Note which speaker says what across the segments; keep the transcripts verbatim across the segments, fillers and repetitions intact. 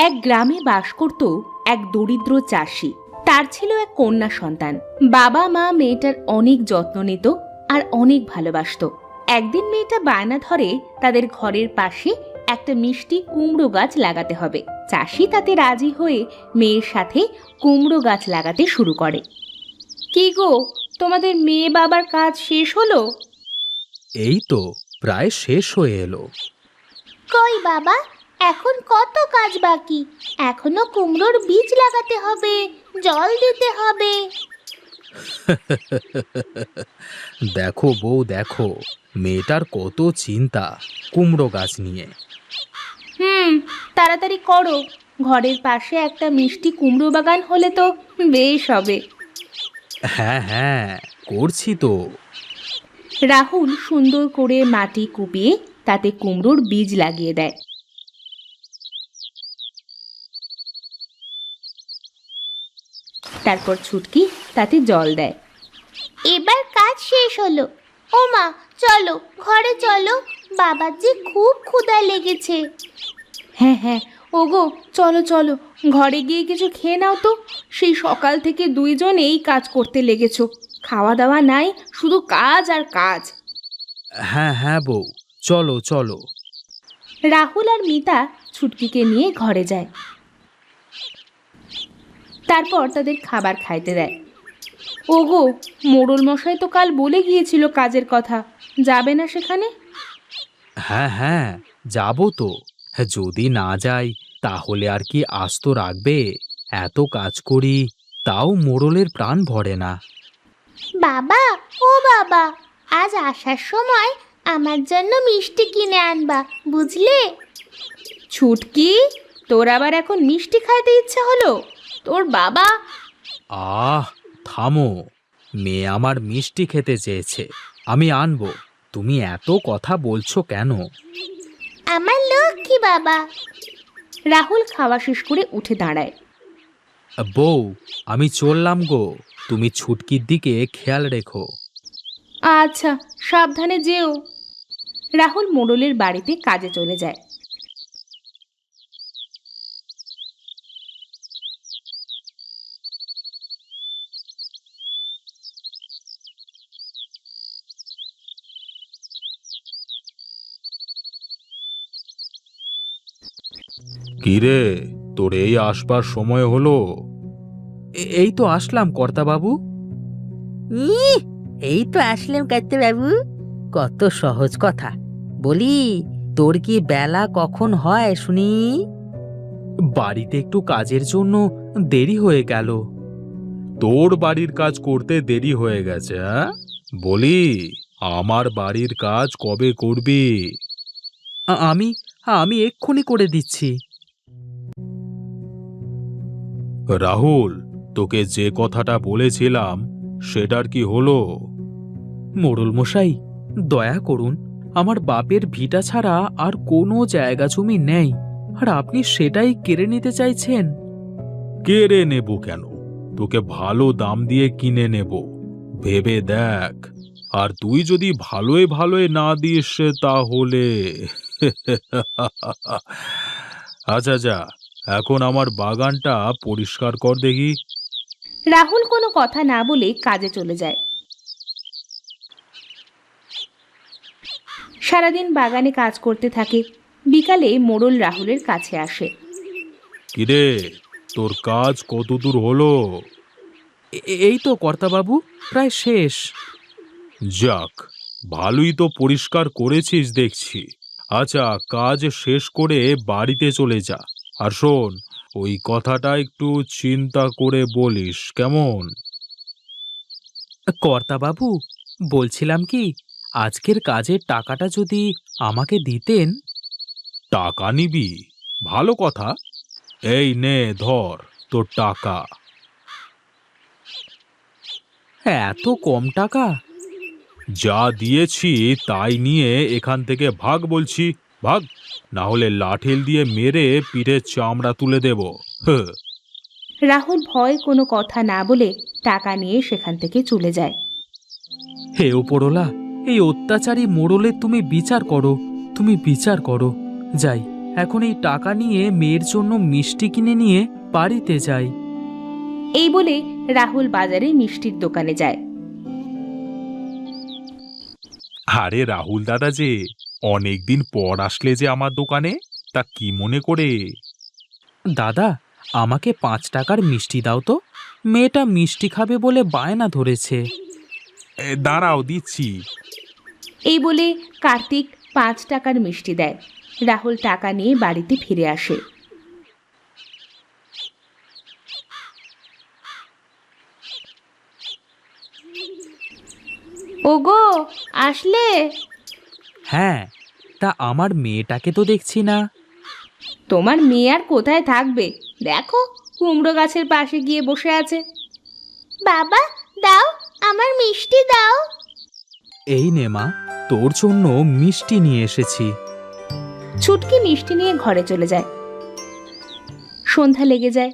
Speaker 1: এক গ্রামে বাস করত এক দরিদ্র চাষি। তার ছিল এক কন্যা সন্তান। বাবা মা মেয়েটার অনেক যত্ন নিত আর অনেক ভালোবাসতো। একদিন মেয়েটা বায়না ধরে তাদের ঘরের পাশে একটা মিষ্টি কুমড়ো গাছ লাগাতে হবে। চাষি তাতে রাজি হয়ে মেয়ের সাথে কুমড়ো গাছ লাগাতে শুরু করে। কি গো, তোমাদের মেয়ে বাবার কাজ শেষ হলো?
Speaker 2: এই তো প্রায় শেষ হয়ে এলো।
Speaker 3: কই বাবা, এখন কত কাজ বাকি? এখনো কুমড়োর বীজ লাগাতে হবে, জল দিতে হবে।
Speaker 2: দেখো বউ, দেখো মেয়েটার কত চিন্তা কুমড়ো গাছ নিয়ে।
Speaker 1: হুম, তাড়াতাড়ি করো। ঘরের পাশে একটা মিষ্টি কুমড়ো বাগান হলে তো বেশ হবে।
Speaker 2: হ্যাঁ হ্যাঁ, করছি তো।
Speaker 1: রাহুল সুন্দর করে মাটি কুপিয়ে তাতে কুমড়োর বীজ লাগিয়ে দেয়। তারপর ছুটকি তাতে জল দেয়।
Speaker 3: এবার কাজ শেষ হলো। ও মা, চলো ঘরে চলো, বাবার যে খুব ক্ষুধা লেগেছে।
Speaker 1: হ্যাঁ হ্যাঁ, ওগো চলো চলো, ঘরে গিয়ে কিছু খেয়ে নাও তো। সেই সকাল থেকে দুইজন এই কাজ করতে লেগেছো, খাওয়া দাওয়া নাই, শুধু কাজ আর কাজ।
Speaker 2: হ্যাঁ হ্যাঁ বউ, চলো চলো।
Speaker 1: রাহুল আর মিতা ছুটকিকে নিয়ে ঘরে যায়। তারপর তাদের খাবার খাইতে দেয়। ওগো, মোড়ল মশাই তো কাল বলে গিয়েছিল কাজের কথা, যাবে না সেখানে?
Speaker 2: হ্যাঁ হ্যাঁ, যাবো তো। যদি না যাই তাহলে আর কি আস্ত রাখবে? এত কাজ করি, তাও মোড়লের প্রাণ ভরে না।
Speaker 3: বাবা, ও বাবা, আজ আসার সময় আমার জন্য মিষ্টি কিনে আনবা, বুঝলে?
Speaker 1: ছুটকি, তোর আবার এখন মিষ্টি খাইতে ইচ্ছে হলো? তোর বাবা...
Speaker 2: আহ থামো, মেয়ে আমার মিষ্টি খেতে চেয়েছে, আমি আনবো। তুমি এত কথা বলছো কেন?
Speaker 3: আমার লক্ষ্মী বাবা।
Speaker 1: রাহুল খাওয়া শেষ করে উঠে দাঁড়ায়।
Speaker 2: বউ, আমি চললাম গো, তুমি ছুটকির দিকে খেয়াল রেখো।
Speaker 1: আচ্ছা, সাবধানে যেও। রাহুল মোড়লের বাড়িতে কাজে চলে যায়।
Speaker 2: কিরে, তোর এই আসবার সময় হলো? এই তো আসলাম কর্তাবাবু।
Speaker 4: ইহ, এই তো আসলাম কাইতে বাবু। কত সহজ কথা। বলি, তোর কি বেলা কখন হয় শুনি?
Speaker 2: বাড়িতে একটু কাজের জন্য দেরি হয়ে গেল। তোর বাড়ির কাজ করতে দেরি হয়ে গেছে? হ্যাঁ, বলি আমার বাড়ির কাজ কবে করবি? আমি আমি এক্ষুনি করে দিচ্ছি। রাহুল, তোকে যে কথাটা বলেছিলাম সেটার কি হলো? মোড়ল মশাই, দয়া করুন, আমার বাপের ভিটা ছাড়া আর কোনো জায়গা জমি নেই, আর আপনি সেটাই কেড়ে নিতে চাইছেন। কেড়ে নেব কেন? তোকে ভালো দাম দিয়ে কিনে নেব, ভেবে দেখ। আর তুই যদি ভালোই ভালোই না দিস তাহলে আচ্ছা যা, এখন আমার বাগানটা পরিষ্কার কর দেখি।
Speaker 1: রাহুল কোনো কথা না বলে কাজে চলে যায়। সারাদিন বাগানে কাজ করতে থাকে। বিকালে মোড়ল রাহুলের কাছে আসে।
Speaker 2: কিরে, তোর কাজ কতদূর হলো? এই তো কর্তাবাবু, প্রায় শেষ। যাক, ভালোই তো পরিষ্কার করেছিস দেখছি। আচ্ছা, কাজ শেষ করে বাড়িতে চলে যা। আর শোন, ওই কথাটা একটু চিন্তা করে বলিস, কেমন? কর্তাবাবু, বলছিলাম কি, আজকের কাজের টাকাটা যদি আমাকে দিতেন। টাকা নিবি? ভালো কথা। এই নে ধর তোর টাকা। এত কম টাকা? যা দিয়েছি তাই নিয়ে এখান থেকে ভাগ বলছি, ভাগ, না হলে লাঠিল দিয়ে মেরে পিঠে চামড়া তুলে দেব। হ্যাঁ।
Speaker 1: রাহুল ভয় কোনো কথা না বলে টাকা নিয়ে সেখান থেকে চলে যায়।
Speaker 2: হে ওপরওয়ালা, এই অত্যাচারী মোড়লের তুমি বিচার করো, তুমি বিচার করো। যাই, এখন এই টাকা নিয়ে মেয়ের জন্য মিষ্টি কিনে নিয়ে বাড়িতে যাই।
Speaker 1: এই বলে রাহুল বাজারে মিষ্টির দোকানে যায়।
Speaker 2: আরে রাহুল দাদা যে অনেকদিন পর আসলে যে আমার দোকানে, তা কি মনে করে? দাদা, আমাকে পাঁচ টাকার মিষ্টি দাও তো, মেয়েটা মিষ্টি খাবে বলে বায়না ধরেছে। দাঁড়াও, দিচ্ছি।
Speaker 1: এই বলে কার্তিক পাঁচ টাকার মিষ্টি দেয়। রাহুল টাকা নিয়ে বাড়িতে ফিরে আসে। ওগো, আসলে?
Speaker 2: হ্যাঁ, তা আমার মেয়েটাকে তো দেখছি না।
Speaker 1: তোমার মেয়ে আর কোথায় থাকবে, দেখো কুমড়ো গাছের পাশে গিয়ে বসে আছে।
Speaker 3: বাবা দাও, আমার মিষ্টি দাও।
Speaker 2: এই নে মা, তোর জন্য মিষ্টি নিয়ে এসেছি।
Speaker 1: ছুটকি মিষ্টি নিয়ে ঘরে চলে যায়। সন্ধ্যা লেগে যায়।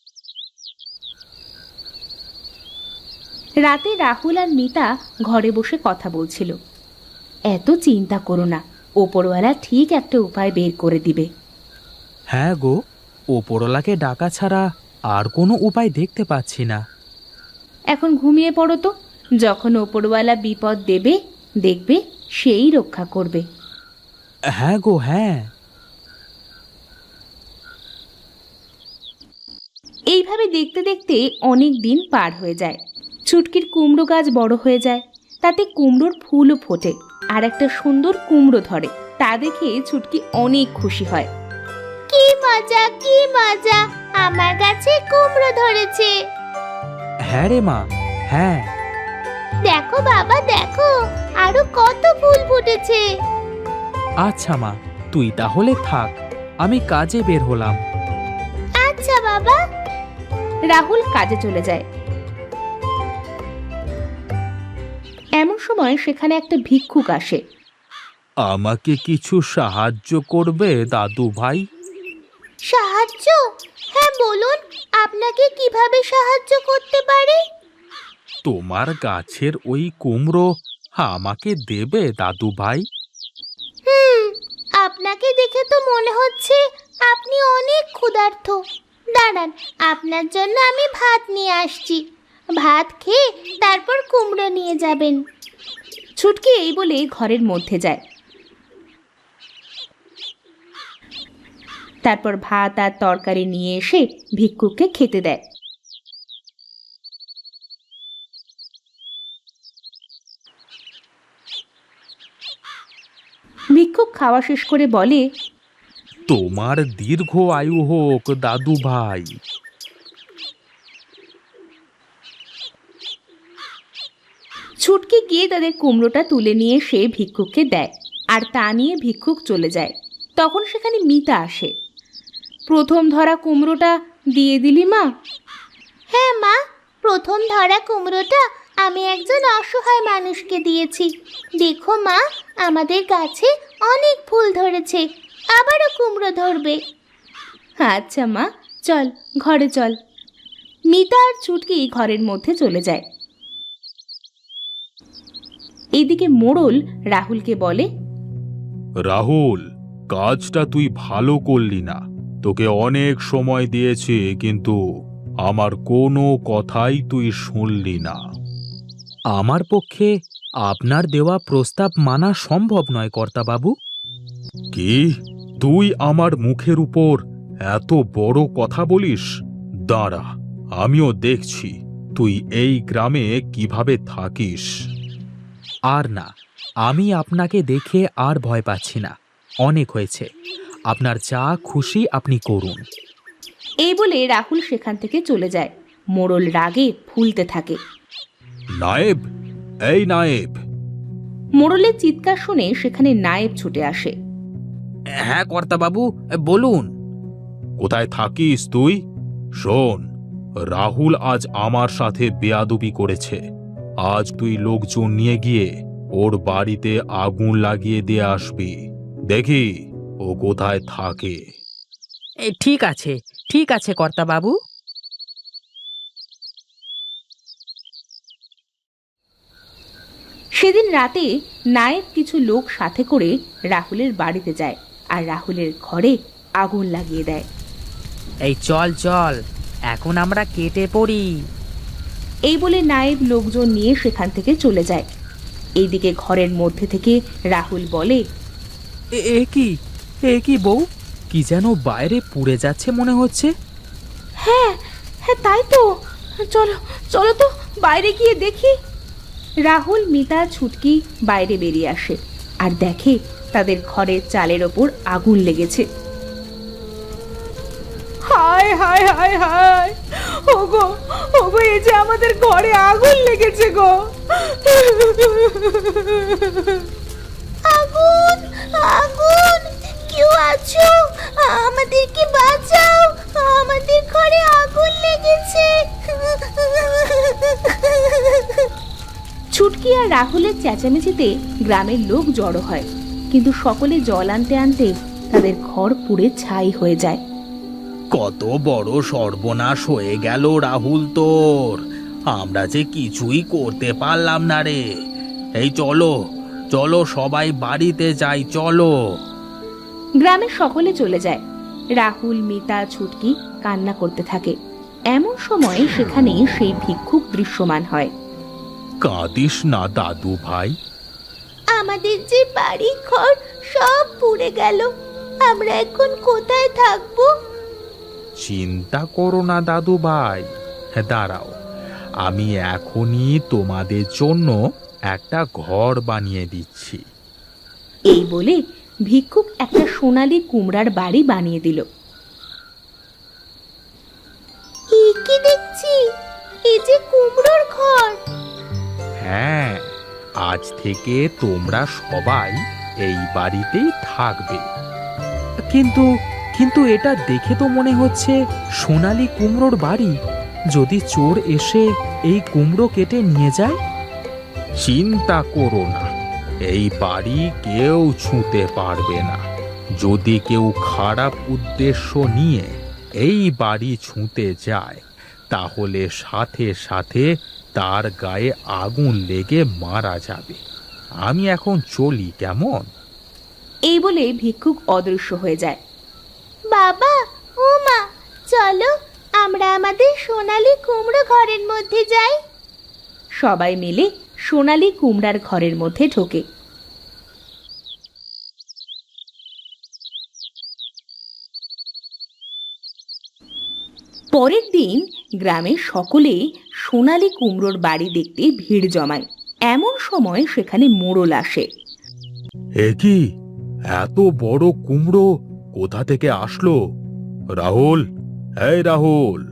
Speaker 1: রাতে রাহুল আর মিতা ঘরে বসে কথা বলছিল। এত চিন্তা করো না, ওপরওয়ালা ঠিক একটা উপায় বের করে দিবে।
Speaker 2: হ্যাঁ গো, ওপরওয়ালাকে ডাকা ছাড়া আর কোনো উপায় দেখতে পাচ্ছি না।
Speaker 1: এখন ঘুমিয়ে পড়ো তো, যখন ওপরওয়ালা বিপদ দেবে দেখবে সেই রক্ষা করবে।
Speaker 2: হ্যাঁ গো, হ্যাঁ।
Speaker 1: এইভাবে দেখতে দেখতে অনেক দিন পার হয়ে যায়। ছুটকির কুমড়ো গাছ বড় হয়ে যায়, তাতে কুমড়োর ফুলও ফোটে আর একটা সুন্দর কুমড়ো ধরে। তা দেখে ছুটকি অনেক খুশি হয়।
Speaker 3: কি মজা, কি মজা, আমার গাছে কুমড়ো ধরেছে।
Speaker 2: হ্যাঁ রে মা, হ্যাঁ।
Speaker 3: দেখো বাবা দেখো, আরো কত ফুল ফুটেছে।
Speaker 2: আচ্ছা মা, তুই তাহলে থাক, আমি কাজে বের হলাম।
Speaker 3: আচ্ছা বাবা।
Speaker 1: রাহুল কাজে চলে যায়। এমন সময় সেখানে একটা ভিক্ষুক আসে।
Speaker 2: আমাকে কিছু সাহায্য করবে দাদু ভাই?
Speaker 3: সাহায্য? হ্যাঁ বলুন, আপনাকে কিভাবে সাহায্য করতে পারি?
Speaker 2: তোমার গাছের ওই কুমড়ো আমাকে দেবে দাদু ভাই?
Speaker 3: হুম, আপনাকে দেখে তো মনে হচ্ছে আপনি অনেক ক্ষুধার্ত। দাঁড়ান, আপনার জন্য আমি ভাত নিয়ে আসছি। ভাত খেয়ে তারপর কুমড়ো নিয়ে যাবেন।
Speaker 1: ছুটকি এই বলে ঘরের মধ্যে যায়। তারপর ভাত আর তরকারি নিয়ে এসে ভিক্ষুককে খেতে দেয়। ভিক্ষুক খাওয়া শেষ করে বলে,
Speaker 2: তোমার দীর্ঘ আয়ু হোক দাদু ভাই।
Speaker 1: ছুটকি গিয়ে তাদের কুমড়োটা তুলে নিয়ে সে ভিক্ষুককে দেয়, আর তা নিয়ে ভিক্ষুক চলে যায়। তখন সেখানে মিতা আসে। প্রথম ধরা কুমড়োটা দিয়ে দিলি মা?
Speaker 3: হ্যাঁ মা, প্রথম ধরা কুমড়োটা আমি একজন অসহায় মানুষকে দিয়েছি। দেখো মা, আমাদের গাছে অনেক ফুল ধরেছে, আবারও কুমড়ো ধরবে।
Speaker 1: আচ্ছা মা, চল ঘরে চল। মিতা আর ছুটকি ঘরের মধ্যে চলে যায়। এইদিকে মোড়ল রাহুলকে বলে,
Speaker 2: রাহুল, কাজটা তুই ভালো করলি না। তোকে অনেক সময় দিয়েছি, কিন্তু আমার কোনো কথাই তুই শুনলি না। আমার পক্ষে আপনার দেওয়া প্রস্তাব মানা সম্ভব নয় কর্তাবাবু। কি? তুই আমার মুখের উপর এত বড় কথা বলিস? দাঁড়া, আমিও দেখছি তুই এই গ্রামে কিভাবে থাকিস। আর না, আমি আপনাকে দেখে আর ভয় পাচ্ছি না। অনেক হয়েছে, আপনার যা খুশি আপনি করুন।
Speaker 1: এই বলে রাহুল সেখান থেকে চলে যায়। মোড়ল রাগে ফুলতে থাকে।
Speaker 2: নায়েব, এই নায়েব।
Speaker 1: মোড়লের চিৎকার শুনে সেখানে নায়েব ছুটে আসে।
Speaker 4: হ্যাঁ কর্তাবাবু, বলুন।
Speaker 2: কোথায় থাকিস তুই? শোন, রাহুল আজ আমার সাথে বেয়াদবি করেছে। আজ তুই লোকজন নিয়ে গিয়ে ওর বাড়িতে আগুন লাগিয়ে দিয়ে আসবি। দেখি ও কোথায় থাকে।
Speaker 4: এ, ঠিক আছে, ঠিক আছে কর্তাবাবু।
Speaker 1: সেদিন রাতে নায়েব কিছু লোক সাথে করে রাহুলের বাড়িতে যায় আর রাহুলের ঘরে আগুন লাগিয়ে দেয়।
Speaker 4: এই চল চল, এখন আমরা কেটে পড়ি।
Speaker 1: এই বলে নায়েব লোকজন নিয়ে সেখান থেকে চলে যায়। এইদিকে ঘরের মধ্যে থেকে রাহুল বলে,
Speaker 2: এ- এ কি এ কি বউ, কি যেন বাইরে পুড়ে যাচ্ছে মনে হচ্ছে।
Speaker 1: হ্যাঁ হ্যাঁ তাই তো, চলো চলো তো বাইরে গিয়ে দেখি। রাহুল, মিতা, ছুটকি বাইরে বেরিয়ে আসে আর দেখে তাদের ঘরের চালের ওপর আগুন লেগেছে। হায় হায় হায় হায়, ওগো ওগো, এই যে আমাদের ঘরে আগুন লেগেছে গো।
Speaker 3: আগুন আগুন, কেউ আছো? আমাদেরকে বাঁচাও, আমাদের ঘরে আগুন লেগেছে।
Speaker 1: ছুটকি আর রাহুলের চেঁচামেচিতে গ্রামের লোক জড়ো হয়, কিন্তু সকলে জল আনতে আনতে তাদের ঘর পুড়ে ছাই হয়ে যায়।
Speaker 2: কত বড় সর্বনাশ হয়ে গেল রাহুল তোর, আমরা যে কিছুই করতে পারলাম না রে। এই চলো চলো সবাই বাড়িতে যাই, চলো।
Speaker 1: গ্রামের সকলে চলে যায়। রাহুল, মিতা, ছুটকি কান্না করতে থাকে। এমন সময় সেখানে সেই ভিক্ষুক দৃশ্যমান হয়।
Speaker 2: কাঁদিস না দাদু ভাই,
Speaker 3: আমাদের যে বাড়ি ঘর সব পুড়ে গেল, আমরা এখন কোথায় থাকবো?
Speaker 2: চিন্তা করো না দাদু ভাই, হ্যাঁ দাঁড়াও, আমি এখনই তোমাদের জন্য একটা ঘর বানিয়ে দিচ্ছি।
Speaker 1: এই বলে ভিক্ষুক একটা সোনালী কুমড়ার বাড়ি বানিয়ে দিল।
Speaker 3: এ কি দেখছি, এই যে কুমড়োর ঘর।
Speaker 2: হ্যাঁ, আজ থেকে তোমরা সবাই এই বাড়িতেই থাকবে। কিন্তু কিন্তু এটা দেখে তো মনে হচ্ছে সোনালী কুমড়োর বাড়ি। যদি চোর এসে এই কুমড়ো কেটে নিয়ে যায়? চিন্তা করো না, এই বাড়ি কেউ ছুঁতে পারবে না। যদি কেউ খারাপ উদ্দেশ্য নিয়ে এই বাড়ি ছুঁতে যায়, তাহলে সাথে সাথে তার গায়ে আগুন লেগে মারা যাবে। আমি এখন চলি, কেমন?
Speaker 1: এই বলে ভিক্ষুক অদৃশ্য হয়ে যায়।
Speaker 3: বাবা ও মা, চলো আমরা আমাদের সোনালী কুমড়ো ঘরের মধ্যে যাই।
Speaker 1: সবাই মিলে সোনালী কুমড়ার ঘরের মধ্যে ঢোকে। পরের দিন গ্রামের সকলে সোনালী কুমড়োর বাড়ি দেখতে ভিড় জমায়। এমন সময় সেখানে মোড়ল আসে।
Speaker 2: এ কি, এত বড় কুমড়ো কোথা থেকে আসলো? রাহুল, এই রাহুল।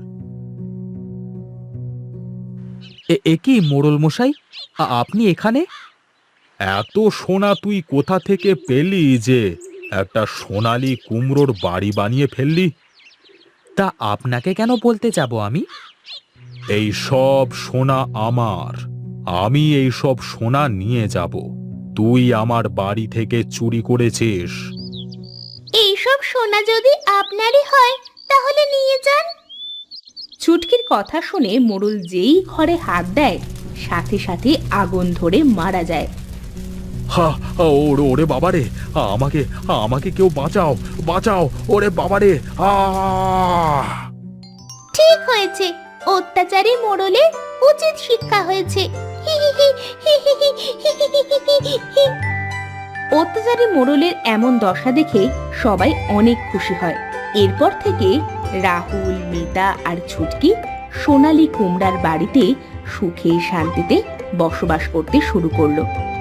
Speaker 2: এ কি মোড়ল মশাই, আ- আপনি এখানে? এত সোনা তুই কোথা থেকে পেলি যে একটা সোনালী কুমড়োর বাড়ি বানিয়ে ফেললি? তা আপনাকে কেন বলতে যাব আমি? এই সব সোনা আমার, আমি এই সব সোনা নিয়ে যাব। তুই আমার বাড়ি থেকে চুরি করেছিস।
Speaker 3: এইসব সোনা যদি আপনারই হয় তাহলে নিয়ে যান।
Speaker 1: ছুটকির কথা শুনে মোড়ল যেই ঘরে হাত দেয়, সাথে সাথে আগুন ধরে মারা যায়।
Speaker 2: হা, ওরে ওরে বাবারে, আমাকে আমাকে কেউ বাঁচাও, বাঁচাও, ওরে বাবারে। আ
Speaker 3: ঠিক হয়েছে, অত্যাচারী মোড়লের উচিত শিক্ষা হয়েছে। হি হি হি হি হি হি হি হি হি হি।
Speaker 1: অত্যাচারী মোড়লের এমন দশা দেখে সবাই অনেক খুশি হয়। এরপর থেকে রাহুল, মিতা আর ছুটকি সোনালী কুমড়ার বাড়িতে সুখে শান্তিতে বসবাস করতে শুরু করলো।